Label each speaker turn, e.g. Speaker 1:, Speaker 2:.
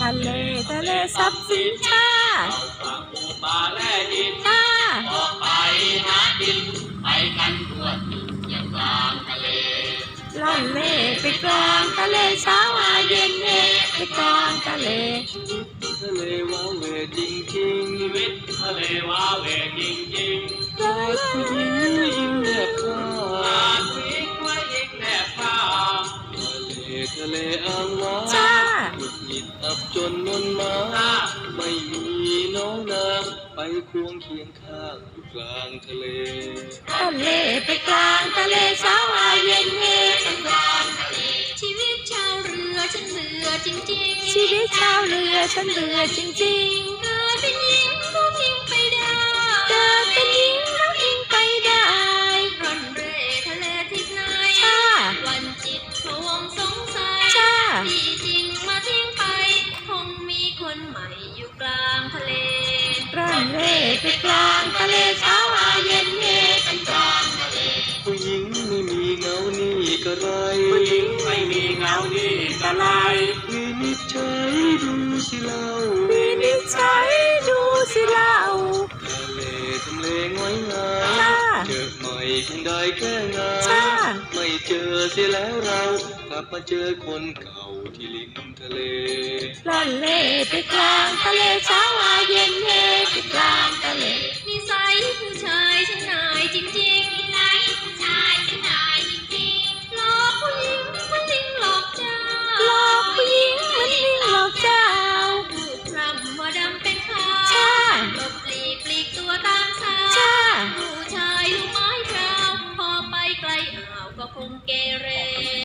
Speaker 1: ะเลทรัพย์สินชา
Speaker 2: ฝั่งป่าและดินออกไปหากินไปกันทั่วถิ่นอย่างกลางทะเล
Speaker 1: ล่องเล่ไปกลางทะเลเช้ามาเย็นเล่ไปกลางทะเล
Speaker 2: ทะเลว้าเหวจริงจริงชีวิตทะเลว้าเหวจริงจริงรักผู้หญิงยิ้มแนบข้างผู้หญิงว่ายิ้มแนบข้างทะเลอ่างว้าหงุดหงิดอับจนนนมาไม่มีน้องนางไปควงเคียงข้างอยู่กลางทะเล
Speaker 1: ทะเลไปกลางทะเลเช้ามาเย็นเล่ไปกลางทะเล
Speaker 3: ชีวิตชาวเรือฉันเบื่อจริงๆ
Speaker 1: ชีวิตชาวเรือฉันเบื่อจริง
Speaker 3: ๆเกิดเป็นหญิงน้องอิงไปได้
Speaker 1: เกิดเป็นหญิงน้องอิงไปได้
Speaker 3: ร่อนเร่ทะเลทิศไหนวันจิตพะวงสงสัยที่จริงมาทิ้งไปคงมีคนใหม่อยู่กลางทะเล
Speaker 1: ร่อนเร่ไปกลางทะเลเช้ามาเย็นเล่ไปกลางทะเล
Speaker 2: ผู้หญิงไม่มีเงานี่ก็ไร
Speaker 1: ผู้หญิงไม่มีเงานี่ก็ไร
Speaker 2: วินิจฉัยดูสิเล่า
Speaker 1: วินิจฉัยดูสิเล่า
Speaker 2: ทะเลง้อยงาเจอใหม่คงได้แค่งาไม่เจอเสียแล้วเรากลับมาเจอคนเก่าที่ริมทะเล
Speaker 1: ล่อนเล่ไปกลางทะเลเช้ามาเย็นเล่ไปกลางทะเล
Speaker 3: นิสัยผู้ชายฉันนายจริงๆนิสัยผู้ชายฉันนายจริงๆหลอกผู้หญิงมันลิงหลอกเจ้า
Speaker 1: หลอกผู้หญิงมันลิงหลอกเจ้า
Speaker 3: พูดพร่ำว่าดำเป็นขาวหลบหลีกตัวตามสาวผู้ชายลูกไม้พราวพอไปไกลอ่าวก็คงแก่